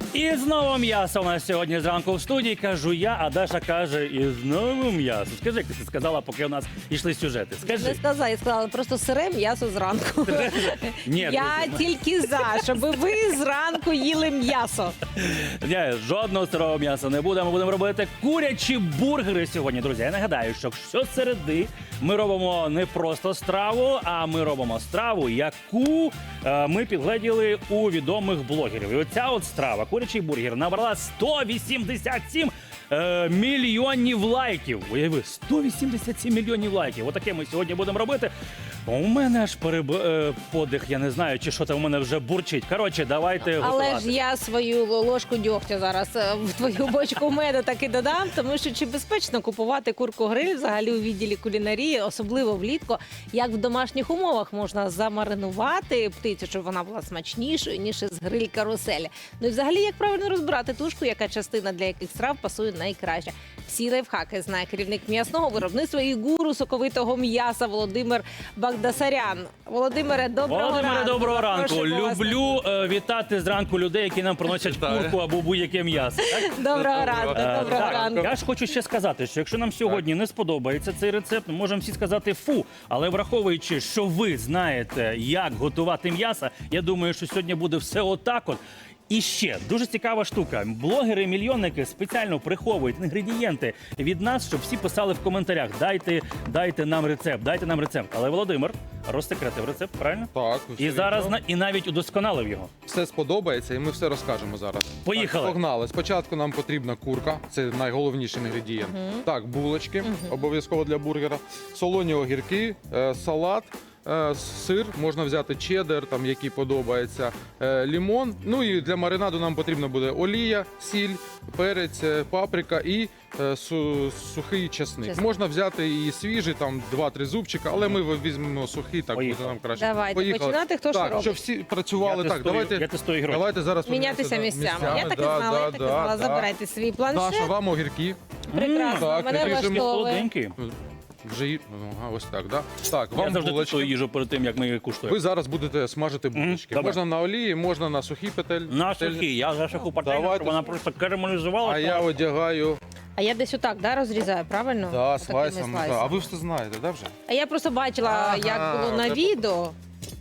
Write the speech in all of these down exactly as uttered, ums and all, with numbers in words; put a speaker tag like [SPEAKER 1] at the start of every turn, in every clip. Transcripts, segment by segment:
[SPEAKER 1] І знову м'ясо у нас сьогодні зранку в студії. Кажу я, а Даша каже, і знову м'ясо. Скажи, як ти сказала, поки у нас йшли сюжети.
[SPEAKER 2] Не
[SPEAKER 1] Скажи.
[SPEAKER 2] сказала, я сказала, просто сире м'ясо зранку.
[SPEAKER 1] Ні,
[SPEAKER 2] Я
[SPEAKER 1] друзі,
[SPEAKER 2] тільки за, щоб ви зранку їли м'ясо.
[SPEAKER 1] Ні, жодного сирого м'яса не буде. Ми будемо робити курячі бургери сьогодні, друзі. Я нагадаю, що щосереди ми робимо не просто страву, а ми робимо страву, яку е, ми підгледіли у відомих блогерів. І оця от страва, курячий бургер, набрала сто вісімдесят сім е, мільйонів лайків. Уяви, сто вісімдесят сім мільйонів лайків. Отаке ми сьогодні будемо робити. У мене аж переб... е, подих, я не знаю, чи що там у мене вже бурчить. Коротше, давайте готувати.
[SPEAKER 2] Але ж я свою ложку дьогтя зараз е, в твою бочку меду таки додам, тому що чи безпечно купувати курку-гриль взагалі у відділі кулінарії, особливо влітку, як в домашніх умовах можна замаринувати птицю, щоб вона була смачнішою, ніж із гриль-каруселі. Ну і взагалі, як правильно розбирати тушку, яка частина для яких страв пасує найкраще. Всі лайфхаки знає керівник м'ясного виробництва і гуру соковитого м'яса Володимир Багдасарян. Володимире, доброго
[SPEAKER 1] Володимире,
[SPEAKER 2] ранку.
[SPEAKER 1] доброго ранку.
[SPEAKER 2] Запрошуємо вас.
[SPEAKER 1] Люблю е, вітати зранку людей, які нам приносять курку або будь-яке м'ясо. Так?
[SPEAKER 2] Доброго ранку,
[SPEAKER 1] Е,
[SPEAKER 2] доброго
[SPEAKER 1] так,
[SPEAKER 2] ранку.
[SPEAKER 1] Я ж хочу ще сказати, що якщо нам сьогодні не сподобається цей рецепт, ми можемо всі сказати фу. Але враховуючи, що ви знаєте, як готувати м'ясо, я думаю, що сьогодні буде все отак от. І ще дуже цікава штука. Блогери-мільйонники спеціально приховують інгредієнти від нас, щоб всі писали в коментарях: дайте, дайте нам рецепт, дайте нам рецепт. Але Володимир розсекретив рецепт, правильно?
[SPEAKER 3] Так,
[SPEAKER 1] І
[SPEAKER 3] все
[SPEAKER 1] зараз
[SPEAKER 3] вірно.
[SPEAKER 1] на і навіть удосконалив його.
[SPEAKER 3] Все сподобається, і ми все розкажемо зараз.
[SPEAKER 1] Поїхали.
[SPEAKER 3] Так, погнали. Спочатку нам потрібна курка, це найголовніший інгредієнт. Так, булочки, обов'язково для бургера, солоні огірки, е, салат. е, Сир, можна взяти чеддер, там який подобається, е, лімон. Ну і для маринаду нам потрібна буде олія, сіль, перець, е, паприка і е, су- сухий чесник.
[SPEAKER 2] Чесник.
[SPEAKER 3] Можна взяти і свіжий, там два-три зубчика, але ми візьмемо сухий, так
[SPEAKER 1] Поїхали.
[SPEAKER 3] буде нам краще.
[SPEAKER 2] Давайте,
[SPEAKER 3] Поїхали.
[SPEAKER 2] починати, хто що
[SPEAKER 3] так,
[SPEAKER 2] робить?
[SPEAKER 3] щоб всі працювали.
[SPEAKER 1] Я
[SPEAKER 3] так,
[SPEAKER 1] тестую-
[SPEAKER 3] давайте.
[SPEAKER 1] я тестую ігрочки.
[SPEAKER 3] Давайте зараз
[SPEAKER 2] Мінятися
[SPEAKER 3] поміняємося,
[SPEAKER 2] місцями.
[SPEAKER 3] да,
[SPEAKER 2] Я так і
[SPEAKER 3] да,
[SPEAKER 2] знала, я
[SPEAKER 3] да,
[SPEAKER 2] так і
[SPEAKER 3] да,
[SPEAKER 2] знала.
[SPEAKER 3] да.
[SPEAKER 2] Забирайте свій
[SPEAKER 3] Даша,
[SPEAKER 2] планшет.
[SPEAKER 3] вам огірки.
[SPEAKER 2] Прекрасно,
[SPEAKER 3] так,
[SPEAKER 2] мене
[SPEAKER 3] ріжемо.
[SPEAKER 2] влаштовує.
[SPEAKER 1] Солоденький.
[SPEAKER 3] Вже ї- ага, ось так, да? Так,
[SPEAKER 1] Я
[SPEAKER 3] вам
[SPEAKER 1] завжди
[SPEAKER 3] булочки.
[SPEAKER 1] тестую їжу перед тим, як ми її куштуємо.
[SPEAKER 3] Ви зараз будете смажити булочки.
[SPEAKER 1] добре.
[SPEAKER 3] Можна на олії, можна на сухій петель.
[SPEAKER 1] На
[SPEAKER 3] петельні.
[SPEAKER 1] сухі, я за шаху пательню,
[SPEAKER 3] Давайте.
[SPEAKER 1] щоб вона просто карамелізувала.
[SPEAKER 3] А я одягаю
[SPEAKER 2] А я десь отак, да, розрізаю, правильно?
[SPEAKER 3] да,
[SPEAKER 2] Отакими
[SPEAKER 3] слайсами.
[SPEAKER 2] слайсами.
[SPEAKER 3] Да. А ви все знаєте, да, вже?
[SPEAKER 2] А я просто бачила,
[SPEAKER 3] Ага,
[SPEAKER 2] як було на
[SPEAKER 3] це-
[SPEAKER 2] відео.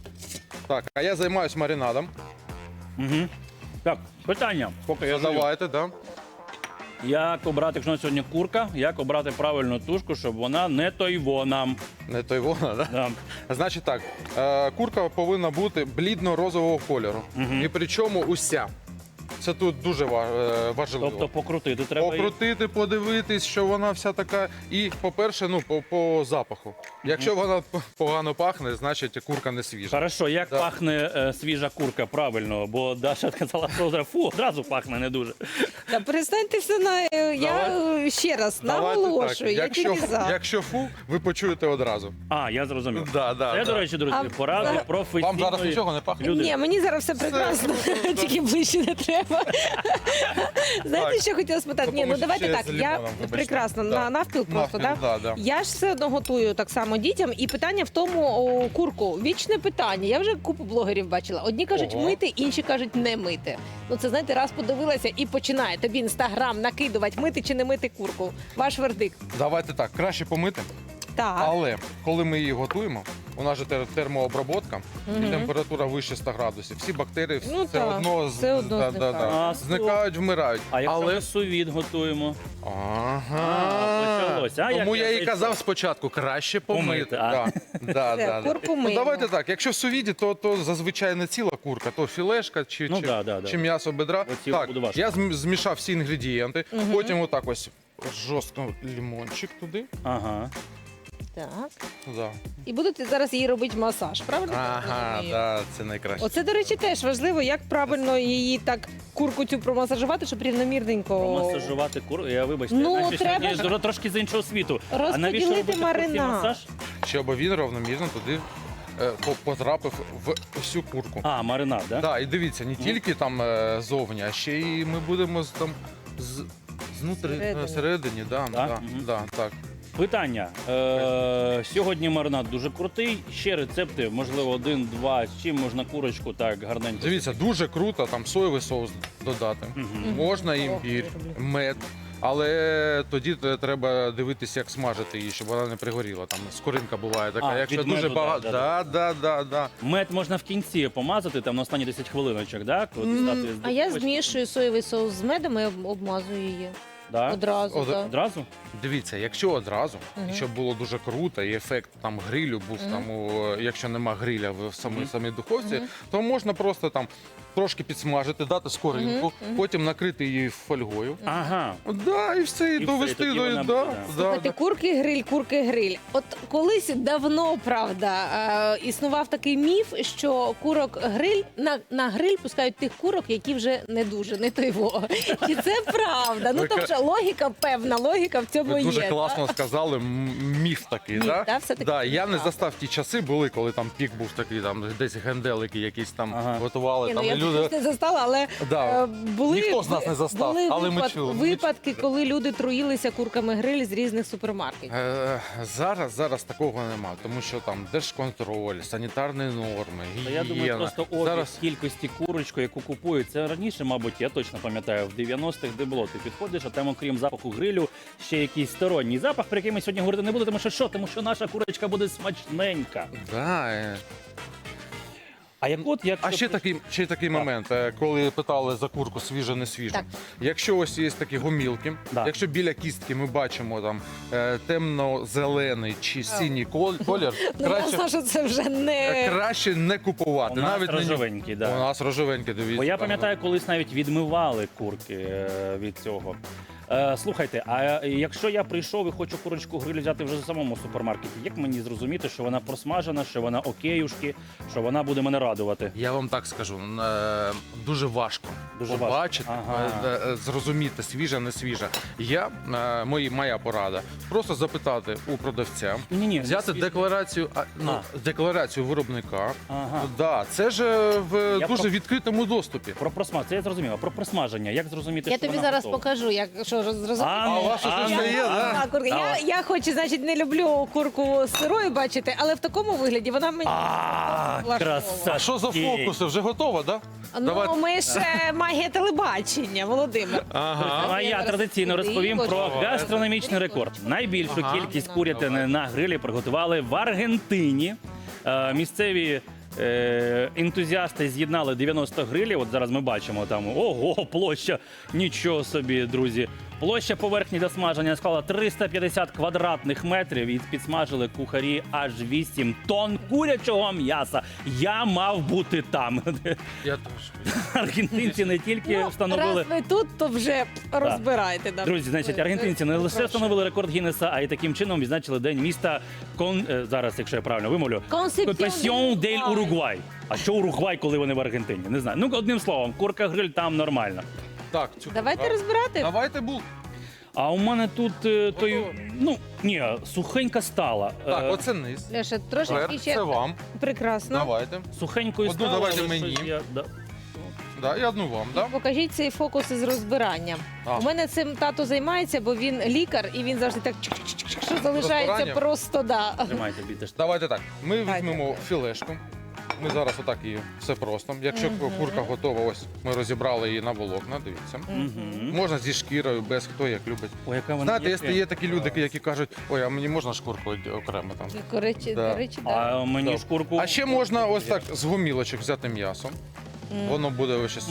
[SPEAKER 3] Так, а я займаюсь маринадом.
[SPEAKER 1] Угу. Так, питання. Поки я жую.
[SPEAKER 3] Давайте, да.
[SPEAKER 1] Як обрати, якщо на сьогодні курка, як обрати правильну тушку, щоб вона не тойво нам.
[SPEAKER 3] Не той вона, да?
[SPEAKER 1] Да.
[SPEAKER 3] Значить так, е, курка повинна бути блідно-розового кольору. І причому уся. Це тут дуже ва- е, важливо.
[SPEAKER 1] Тобто покрутити треба її.
[SPEAKER 3] Покрутити, подивитись, що вона вся така. І, по-перше, ну, по, по запаху. Якщо вона п- погано пахне, значить курка не свіжа.
[SPEAKER 1] Хорошо, як
[SPEAKER 3] Да.
[SPEAKER 1] пахне е, свіжа курка правильно, бо Даша сказала, що фу, одразу пахне не дуже.
[SPEAKER 2] Та перестаньте все на я е, ще раз
[SPEAKER 3] Давайте
[SPEAKER 2] наголошую. Я
[SPEAKER 3] Якщо,
[SPEAKER 2] тільки за.
[SPEAKER 3] якщо фу, ви почуєте одразу.
[SPEAKER 1] А, я зрозумів.
[SPEAKER 3] Да, да,
[SPEAKER 1] Це,
[SPEAKER 3] да.
[SPEAKER 1] до речі, друзі,
[SPEAKER 2] А
[SPEAKER 1] поради
[SPEAKER 2] за-
[SPEAKER 1] професійної
[SPEAKER 3] Вам зараз нічого не пахне?
[SPEAKER 1] людини.
[SPEAKER 2] Ні, мені зараз все прекрасно, тільки ближче не треба. Знаєте,
[SPEAKER 3] Так.
[SPEAKER 2] що хотіла спитати? Ні, ну
[SPEAKER 3] Допоможіть
[SPEAKER 2] давайте
[SPEAKER 3] ще
[SPEAKER 2] так.
[SPEAKER 3] з
[SPEAKER 2] Я
[SPEAKER 3] лимоном, вибачте.
[SPEAKER 2] прекрасно
[SPEAKER 3] Да.
[SPEAKER 2] на навпіл просто,
[SPEAKER 3] Навпіл,
[SPEAKER 2] так?
[SPEAKER 3] да, да.
[SPEAKER 2] Я ж все одно готую так само дітям, і питання в тому о, курку. Вічне питання. Я вже купу блогерів бачила. Одні кажуть
[SPEAKER 3] Ого.
[SPEAKER 2] мити, інші кажуть не мити. Ну це знаєте, раз подивилася і починає тобі інстаграм накидувати, мити чи не мити курку. Ваш вердикт.
[SPEAKER 3] Давайте так, краще помити,
[SPEAKER 2] Так.
[SPEAKER 3] але коли ми її готуємо, у нас же тер- термообробка, і
[SPEAKER 2] Мгм.
[SPEAKER 3] температура вище ста градусів. Всі бактерії
[SPEAKER 2] Ну
[SPEAKER 3] все
[SPEAKER 2] так,
[SPEAKER 3] одно, з-
[SPEAKER 2] все одно
[SPEAKER 3] да, да,
[SPEAKER 2] зникають.
[SPEAKER 3] да.
[SPEAKER 1] А, стоп.
[SPEAKER 3] зникають, вмирають.
[SPEAKER 1] А якщо
[SPEAKER 3] але
[SPEAKER 1] ми сувід готуємо?
[SPEAKER 3] Ага.
[SPEAKER 1] А, почалося. А, як
[SPEAKER 3] Тому
[SPEAKER 1] я
[SPEAKER 3] я і
[SPEAKER 1] зайшов?
[SPEAKER 3] казав спочатку, краще помити.
[SPEAKER 1] Помити, а.
[SPEAKER 3] Да. Да,
[SPEAKER 2] Все,
[SPEAKER 3] да, да.
[SPEAKER 2] курку
[SPEAKER 3] Ну,
[SPEAKER 2] миємо.
[SPEAKER 3] давайте так, якщо в сувіді, то, то зазвичай не ціла курка, то філешка чи,
[SPEAKER 1] Ну,
[SPEAKER 3] чи,
[SPEAKER 1] да, да, да.
[SPEAKER 3] чи м'ясо бедра.
[SPEAKER 1] Оці
[SPEAKER 3] Так,
[SPEAKER 1] буде важко.
[SPEAKER 3] я зм- змішав всі інгредієнти, потім отак ось жорстко лимончик туди.
[SPEAKER 1] Ага.
[SPEAKER 2] Так.
[SPEAKER 3] Да.
[SPEAKER 2] І будете зараз їй робити масаж, правильно? я
[SPEAKER 3] Ага,
[SPEAKER 2] розумію?
[SPEAKER 3] да, це найкраще.
[SPEAKER 2] Оце, до речі, теж важливо, як правильно її так курку цю промасажувати, щоб рівномірненько.
[SPEAKER 1] Промасажувати курку. Я вибачте,
[SPEAKER 2] Ну,
[SPEAKER 1] я наче
[SPEAKER 2] треба
[SPEAKER 1] сьогодні
[SPEAKER 2] ж
[SPEAKER 1] трошки з іншого світу. А
[SPEAKER 2] розподілити
[SPEAKER 1] навіщо робити простий
[SPEAKER 2] маринад.
[SPEAKER 1] масаж?
[SPEAKER 3] Щоб він равномірно туди е, по- потрапив в всю курку.
[SPEAKER 1] А, маринад, да?
[SPEAKER 3] Да, і дивіться, не тільки там е, зовні, а ще й ми будемо з- там з, знутри
[SPEAKER 2] Всередині.
[SPEAKER 3] всередині, да,
[SPEAKER 1] Так?
[SPEAKER 3] да,
[SPEAKER 1] Мгм.
[SPEAKER 3] да, так.
[SPEAKER 1] Питання. Е, сьогодні маринад дуже крутий. Ще рецепти, можливо, один-два. З чим можна курочку так гарненько.
[SPEAKER 3] Дивіться, дуже круто там соєвий соус додати. Можна імбір, мед. Але тоді те- треба дивитися, як смажити її, щоб вона не пригоріла. Там скоринка буває така.
[SPEAKER 1] А,
[SPEAKER 3] Якщо
[SPEAKER 1] від
[SPEAKER 3] дуже
[SPEAKER 1] меду,
[SPEAKER 3] багато.
[SPEAKER 1] да,
[SPEAKER 3] Да, да, да, да.
[SPEAKER 1] Мед можна в кінці помазати, там на останні десять хвилиночок, да? Коли дістати з
[SPEAKER 2] А я
[SPEAKER 1] духовочки.
[SPEAKER 2] змішую соєвий соус з медом і об- обмазую її.
[SPEAKER 1] Да?
[SPEAKER 2] Одразу.
[SPEAKER 3] Од-
[SPEAKER 2] так.
[SPEAKER 1] Одразу?
[SPEAKER 3] Дивіться, якщо одразу,
[SPEAKER 2] Мгм.
[SPEAKER 3] і щоб було дуже круто, і ефект там грилю був
[SPEAKER 2] Мгм.
[SPEAKER 3] там, у, якщо нема гриля в самій
[SPEAKER 1] Мгм.
[SPEAKER 3] самій духовці,
[SPEAKER 2] Мгм.
[SPEAKER 3] то можна просто там трошки підсмажити, дати скоринку,
[SPEAKER 2] Мгм, мгм.
[SPEAKER 3] потім накрити її фольгою.
[SPEAKER 1] Ага.
[SPEAKER 3] Да, і все, і,
[SPEAKER 1] І все, і
[SPEAKER 3] довести
[SPEAKER 1] тоді
[SPEAKER 3] до
[SPEAKER 1] вона
[SPEAKER 3] да,
[SPEAKER 1] буде,
[SPEAKER 3] да,
[SPEAKER 2] Слухайте,
[SPEAKER 3] да.
[SPEAKER 2] курки гриль, курки гриль. От колись давно, правда, е, існував такий міф, що курок гриль на, на гриль пускають тих курок, які вже не дуже, не той во. Чи це правда? Ну
[SPEAKER 3] Ви
[SPEAKER 2] тобто
[SPEAKER 3] ка-
[SPEAKER 2] логіка, певна логіка в цьому
[SPEAKER 3] Ви
[SPEAKER 2] є.
[SPEAKER 3] дуже
[SPEAKER 2] та?
[SPEAKER 3] класно сказали, м- міф такий,
[SPEAKER 2] Міф,
[SPEAKER 3] да?
[SPEAKER 2] да, все-таки
[SPEAKER 3] Да,
[SPEAKER 2] це
[SPEAKER 3] я не
[SPEAKER 2] правда.
[SPEAKER 3] застав ті часи, були, коли там пік був такий, там десь генделики якісь там
[SPEAKER 1] Ага.
[SPEAKER 3] готували.
[SPEAKER 2] Ні, ну,
[SPEAKER 3] Там,
[SPEAKER 2] я
[SPEAKER 3] і люди...
[SPEAKER 2] також не застала, але
[SPEAKER 3] Да.
[SPEAKER 2] е, були,
[SPEAKER 3] Ніхто з нас не застав,
[SPEAKER 2] були
[SPEAKER 3] але ми
[SPEAKER 2] випад-
[SPEAKER 3] чули, ми
[SPEAKER 2] випадки,
[SPEAKER 3] чули.
[SPEAKER 2] коли люди труїлися курками гриль з різних супермаркетів.
[SPEAKER 3] Е, зараз, зараз такого нема, тому що там держконтроль, санітарні норми,
[SPEAKER 1] Та я думаю,
[SPEAKER 3] гігієна.
[SPEAKER 1] просто обіг
[SPEAKER 3] Зараз
[SPEAKER 1] кількості курочку, яку купують. Це раніше, мабуть, я точно пам'ятаю, в дев'яностих, де було. Ти підходиш, а там, окрім запаху грилю, ще якийсь сторонній запах, про який ми сьогодні говорити не будемо, тому що що? Тому що наша курочка буде смачненька.
[SPEAKER 3] да, е.
[SPEAKER 1] А як от, як
[SPEAKER 3] А ще такий, ще такий момент, е, коли питали за курку свіже, не свіже.
[SPEAKER 2] Так.
[SPEAKER 3] Якщо ось є такі гомілки,
[SPEAKER 1] Да.
[SPEAKER 3] якщо біля кістки ми бачимо там е, темно-зелений чи синій кол- колір,
[SPEAKER 2] Ну,
[SPEAKER 3] краще,
[SPEAKER 2] ясно, що це вже
[SPEAKER 3] е,
[SPEAKER 2] не...
[SPEAKER 3] краще не купувати.
[SPEAKER 1] у нас
[SPEAKER 3] Навіть не-
[SPEAKER 1] рожевенький,
[SPEAKER 3] У
[SPEAKER 1] да.
[SPEAKER 3] нас рожевенькі, дивіться.
[SPEAKER 1] Бо я
[SPEAKER 3] там,
[SPEAKER 1] пам'ятаю, колись навіть відмивали курки е, від цього. Е, слухайте, а якщо я прийшов і хочу курочку гриль взяти вже в самому супермаркеті, як мені зрозуміти, що вона просмажена, що вона океюшки, що вона буде мене радувати?
[SPEAKER 3] Я вам так скажу, е, дуже важко
[SPEAKER 1] Дуже важко.
[SPEAKER 3] побачити,
[SPEAKER 1] Ага.
[SPEAKER 3] е, е, зрозуміти, свіжа, не свіжа. Я, е, мої, моя порада, просто запитати у продавця,
[SPEAKER 1] Ні-ні,
[SPEAKER 3] взяти
[SPEAKER 1] свіжа.
[SPEAKER 3] декларацію, а, ну, декларацію виробника.
[SPEAKER 1] Ага.
[SPEAKER 3] Да, це ж е, в
[SPEAKER 1] Я
[SPEAKER 3] дуже
[SPEAKER 1] про-
[SPEAKER 3] відкритому доступі.
[SPEAKER 1] Про просмаж, це я зрозумів. А про просмаження, як зрозуміти,
[SPEAKER 2] Я
[SPEAKER 1] що
[SPEAKER 2] тобі
[SPEAKER 1] вона
[SPEAKER 2] зараз
[SPEAKER 1] готова?
[SPEAKER 2] покажу, як що роз- зрозуміти.
[SPEAKER 1] А, ну,
[SPEAKER 3] у вас щось
[SPEAKER 1] а,
[SPEAKER 3] вже
[SPEAKER 1] ну,
[SPEAKER 3] є,
[SPEAKER 1] а,
[SPEAKER 3] да?
[SPEAKER 2] А, курка.
[SPEAKER 1] а,
[SPEAKER 2] Я, я хоч, значить, не люблю курку сирою бачити, але в такому вигляді вона мені
[SPEAKER 1] А,
[SPEAKER 2] влаштовує.
[SPEAKER 1] краса.
[SPEAKER 3] А що за фокуси? Вже готова, да?
[SPEAKER 2] Ну,
[SPEAKER 3] Давайте.
[SPEAKER 2] ми ж е, магія телебачення, Володимир.
[SPEAKER 3] Ага.
[SPEAKER 1] А я традиційно розповім про гастрономічний рекорд. Найбільшу
[SPEAKER 3] Ага.
[SPEAKER 1] кількість курятини на грилі приготували в Аргентині. Е, Місцеві е, ентузіасти з'єднали дев'яносто грилів. От зараз ми бачимо там ого, площа. Нічого собі, друзі. Площа поверхні для смаження склала триста п'ятдесят квадратних метрів і підсмажили кухарі аж вісім тонн курячого м'яса. Я мав бути там.
[SPEAKER 3] Я теж.
[SPEAKER 1] Аргентинці не тільки
[SPEAKER 2] Ну,
[SPEAKER 1] встановили.
[SPEAKER 2] раз ви тут, то вже розбирайте. да.
[SPEAKER 1] Друзі, значить, аргентинці не лише встановили рекорд Гіннеса, а й таким чином відзначили день міста Кон... е, зараз, якщо я правильно вимовлю, Консепсьон дель Уругвай. А що Уругвай, коли вони в Аргентині? Не знаю. Ну, одним словом, курка гриль там нормально.
[SPEAKER 3] Так, цю
[SPEAKER 2] Давайте
[SPEAKER 3] так.
[SPEAKER 2] розбирати.
[SPEAKER 3] Давайте бул.
[SPEAKER 1] А у мене тут е, той,
[SPEAKER 3] Готово.
[SPEAKER 1] ну, ні, сухенька стала.
[SPEAKER 3] Так,
[SPEAKER 1] Е,
[SPEAKER 3] оце низ.
[SPEAKER 2] Леша, трошечки
[SPEAKER 3] Верх,
[SPEAKER 2] ще
[SPEAKER 3] це вам.
[SPEAKER 2] прекрасно.
[SPEAKER 3] Давайте.
[SPEAKER 1] Сухенькою
[SPEAKER 3] Одну
[SPEAKER 1] стала.
[SPEAKER 3] давайте
[SPEAKER 1] але
[SPEAKER 3] мені.
[SPEAKER 1] щось я- да.
[SPEAKER 3] Да, і одну вам, да?
[SPEAKER 2] Покажіть цей фокус із розбиранням.
[SPEAKER 3] А.
[SPEAKER 2] У мене цим тато займається, бо він лікар і він завжди так чик-чик-чик, що залишається
[SPEAKER 3] Розбирання?
[SPEAKER 2] просто да.
[SPEAKER 1] Тримайте, бійте ж.
[SPEAKER 3] Давайте так. Ми
[SPEAKER 2] Давайте.
[SPEAKER 3] візьмемо філешку. Ми зараз отак її все просто. Якщо
[SPEAKER 2] Мгм.
[SPEAKER 3] курка готова, ось ми розібрали її на волокна, дивіться.
[SPEAKER 1] Мгм.
[SPEAKER 3] Можна зі шкірою, без хто як любить.
[SPEAKER 1] Ой, яка вона
[SPEAKER 3] Знаєте,
[SPEAKER 1] яка.
[SPEAKER 3] є, є такі люди, які кажуть, ой, а мені можна шкурку окремо там.
[SPEAKER 2] До речі,
[SPEAKER 3] Да.
[SPEAKER 2] до речі, да.
[SPEAKER 1] А мені
[SPEAKER 3] Так.
[SPEAKER 1] шкурку.
[SPEAKER 3] А ще можна ось так з гомілочок взяти м'ясо. Воно буде ось ще.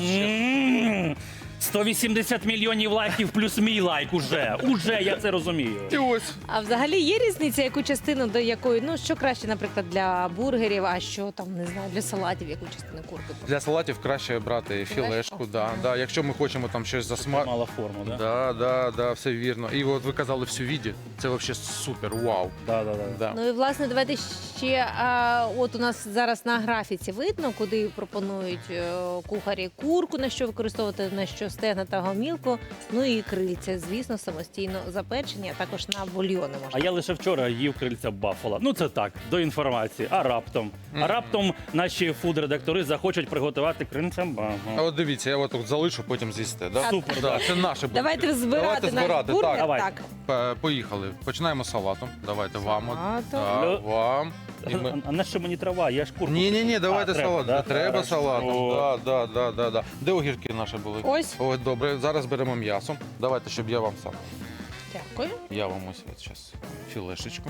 [SPEAKER 1] М, сто вісімдесят мільйонів лайків плюс мій лайк уже. Уже я це розумію.
[SPEAKER 3] І ось.
[SPEAKER 2] А взагалі є різниця, яку частину до якої, ну що краще, наприклад, для бургерів, а що там не знаю, для салатів, яку частину курки?
[SPEAKER 3] Для салатів краще брати філешку, да, да. Якщо ми хочемо там щось засмажити.
[SPEAKER 1] Мала форму, да?
[SPEAKER 3] Да, да, да, все вірно. І от ви казали всю віді. Це взагалі супер, вау.
[SPEAKER 1] Да, да, да.
[SPEAKER 3] Да.
[SPEAKER 2] Ну і власне давайте ще. А, от у нас зараз на графіці видно, куди пропонують е, кухарі курку, на що використовувати, на що стегна та гомілку, ну і крильця, звісно, самостійно запечені, а також на бульйони
[SPEAKER 1] А
[SPEAKER 2] можна.
[SPEAKER 1] я лише вчора їв крильця баффала. Ну це так, до інформації. А раптом? А раптом наші фуд-редактори захочуть приготувати крильця
[SPEAKER 3] А
[SPEAKER 1] баффала.
[SPEAKER 3] от дивіться, я от тут залишу, потім з'їсте. Да?
[SPEAKER 1] Супер,
[SPEAKER 3] Да,
[SPEAKER 1] да.
[SPEAKER 3] це наше буде.
[SPEAKER 2] Давайте збирати
[SPEAKER 3] Давайте
[SPEAKER 2] наш
[SPEAKER 3] збирати,
[SPEAKER 2] бургер.
[SPEAKER 3] так.
[SPEAKER 1] Давай.
[SPEAKER 2] Так.
[SPEAKER 3] П- Поїхали. Починаємо з салату. Давайте вам. от.
[SPEAKER 2] Салату.
[SPEAKER 3] Да,
[SPEAKER 1] Лю-
[SPEAKER 3] вам. І
[SPEAKER 1] А,
[SPEAKER 3] ми...
[SPEAKER 1] а на що мені трава? Я ж курку.
[SPEAKER 3] Ні, ні, ні, давайте
[SPEAKER 1] А, треба,
[SPEAKER 3] салат.
[SPEAKER 1] да?
[SPEAKER 3] Треба
[SPEAKER 1] Хорошо.
[SPEAKER 3] салатом. Да, да, да, да, да. Де огірки наші були?
[SPEAKER 2] Ось.
[SPEAKER 3] Ось, добре. Зараз беремо м'ясо. Давайте, щоб я вам сам.
[SPEAKER 2] Дякую.
[SPEAKER 3] Я вам ось от зараз філешечку.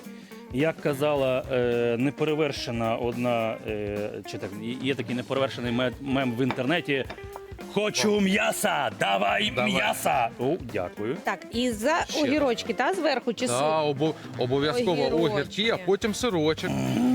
[SPEAKER 1] Як казала е, неперевершена одна, е, чи так, є такий неперевершений мем, мем в інтернеті. Хочу м'яса! Давай,
[SPEAKER 3] Давай.
[SPEAKER 1] м'яса! О, дякую.
[SPEAKER 2] Так, і за
[SPEAKER 3] Ще
[SPEAKER 2] огірочки, та зверху чи
[SPEAKER 3] Да,
[SPEAKER 2] сир?
[SPEAKER 3] обо- обов'язково
[SPEAKER 2] Огірочки.
[SPEAKER 3] огірки, а потім сирочок.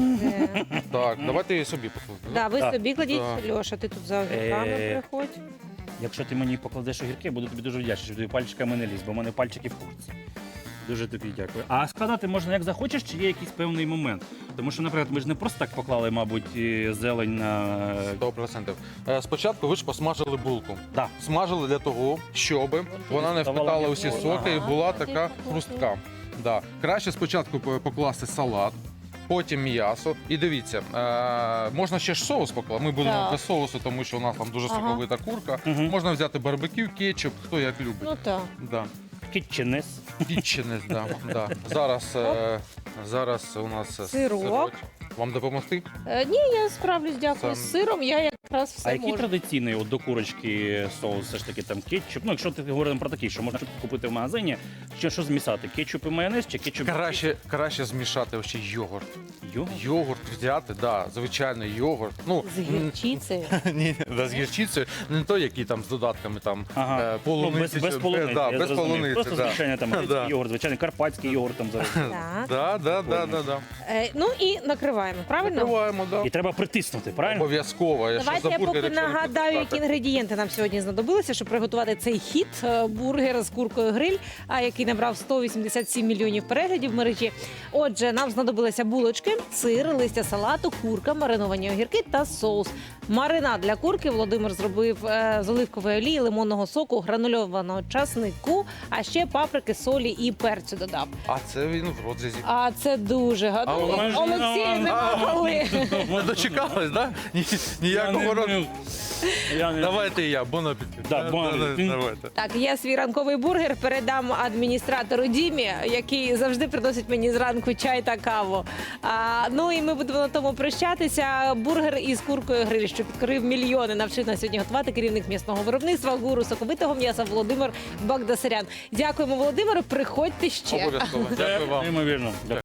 [SPEAKER 2] Де?
[SPEAKER 3] Так, давайте я собі покладу.
[SPEAKER 2] Да, ви
[SPEAKER 1] Так.
[SPEAKER 2] собі кладіть.
[SPEAKER 3] Да.
[SPEAKER 2] Льоша, ти тут за огірками
[SPEAKER 1] Е,
[SPEAKER 2] приходь.
[SPEAKER 1] Якщо ти мені покладеш огірки, я буду тобі дуже вдячний, що тобі пальчиками не ліз, бо в мене пальчики в курці. Дуже тобі дякую. А складати можна як захочеш, чи є якийсь певний момент? Тому що, наприклад, ми ж не просто так поклали, мабуть, і зелень на.
[SPEAKER 3] Сто процентів. Е, Спочатку ви ж посмажили булку.
[SPEAKER 1] Да.
[SPEAKER 3] Смажили для того, щоб вона не
[SPEAKER 1] Ставала
[SPEAKER 3] впитала
[SPEAKER 1] м'якою.
[SPEAKER 3] усі соки і
[SPEAKER 2] Ага.
[SPEAKER 3] була така хрустка. Да. Краще спочатку по- покласти салат, потім м'ясо. І дивіться, е, можна ще ж соус покласти. Ми будемо
[SPEAKER 2] Так.
[SPEAKER 3] без соусу, тому що у нас там дуже
[SPEAKER 2] Ага.
[SPEAKER 3] соковита курка.
[SPEAKER 1] Мгм.
[SPEAKER 3] Можна взяти барбекю, кетчуп, хто як любить.
[SPEAKER 2] Ну так.
[SPEAKER 3] Да.
[SPEAKER 1] Кітченес.
[SPEAKER 3] Кітченес, да, да. Зараз, е, зараз у нас е,
[SPEAKER 2] Сирок.
[SPEAKER 3] Вам допомогти?
[SPEAKER 2] Е, ні, я справлюсь, дякую.
[SPEAKER 3] Сам-
[SPEAKER 2] З сиром я якраз все
[SPEAKER 1] А який
[SPEAKER 2] можу.
[SPEAKER 1] традиційний от, до курочки соус, все ж таки там кетчуп? Ну, якщо ти говоримо про такий, що можна купити в магазині, що, що змісати? Кетчуп і майонез чи кетчуп? і
[SPEAKER 3] Краще, краще змішати ще йогурт.
[SPEAKER 1] Йогурт?
[SPEAKER 3] Йогурт взяти, да, звичайний йогурт. Ну,
[SPEAKER 2] З гірчицею.
[SPEAKER 3] ні, да, з гірчицею, не той, який там з додатками там
[SPEAKER 1] Ага.
[SPEAKER 3] е,
[SPEAKER 1] Ну,
[SPEAKER 3] полуниці.
[SPEAKER 1] без, без
[SPEAKER 3] чи-
[SPEAKER 1] полуниці,
[SPEAKER 3] да,
[SPEAKER 1] я
[SPEAKER 3] без
[SPEAKER 1] зрозумів.
[SPEAKER 3] полуниці,
[SPEAKER 1] Просто
[SPEAKER 3] да.
[SPEAKER 1] звичайний там
[SPEAKER 3] Да.
[SPEAKER 1] йогурт, звичайний карпатський йогурт там зараз.
[SPEAKER 2] Так.
[SPEAKER 3] Да, да, да, да, да.
[SPEAKER 2] Е, ну і накриваємо, правильно?
[SPEAKER 3] Накриваємо, да.
[SPEAKER 1] І треба притиснути, правильно?
[SPEAKER 3] Обов'язково. Я
[SPEAKER 2] Давайте
[SPEAKER 3] що
[SPEAKER 2] я
[SPEAKER 3] за бургер,
[SPEAKER 2] поки
[SPEAKER 3] якщо не
[SPEAKER 2] нагадаю, які
[SPEAKER 3] притискати?
[SPEAKER 2] інгредієнти нам сьогодні знадобилися, щоб приготувати цей хіт е, бургер з куркою гриль, а який набрав сто вісімдесят сім мільйонів переглядів в мережі. Отже, нам знадобилися булочки, сир, листя салату, курка, мариновані огірки та соус. Маринад для курки Володимир зробив е, з оливкової олії, лимонного соку, гранульованого часнику, а ще паприки, солі і перцю додав.
[SPEAKER 3] А це він в розрізі.
[SPEAKER 2] А це дуже
[SPEAKER 3] А
[SPEAKER 2] гадно.
[SPEAKER 3] у
[SPEAKER 1] нас-
[SPEAKER 2] Олексій, не
[SPEAKER 1] А,
[SPEAKER 2] могли.
[SPEAKER 3] Не дочекались, да? Ні,
[SPEAKER 1] Я
[SPEAKER 3] ніякого
[SPEAKER 1] не-
[SPEAKER 3] роду.
[SPEAKER 1] Я не-
[SPEAKER 3] Давайте і я, бон апетит.
[SPEAKER 1] Да, бон апетит.
[SPEAKER 3] Давайте.
[SPEAKER 2] Так, я свій ранковий бургер передам адміністратору Дімі, який завжди приносить мені зранку чай та каву. А, ну і ми будемо на тому прощатися. Бургер із куркою гриль, що підкорив мільйони, навчив нас сьогодні готувати керівник м'ясного виробництва, гуру соковитого м'яса Володимир Багдасарян. Дякуємо, Володимиру. Приходьте ще.
[SPEAKER 3] Обов'язково. Дякую вам.
[SPEAKER 1] Неймовірно.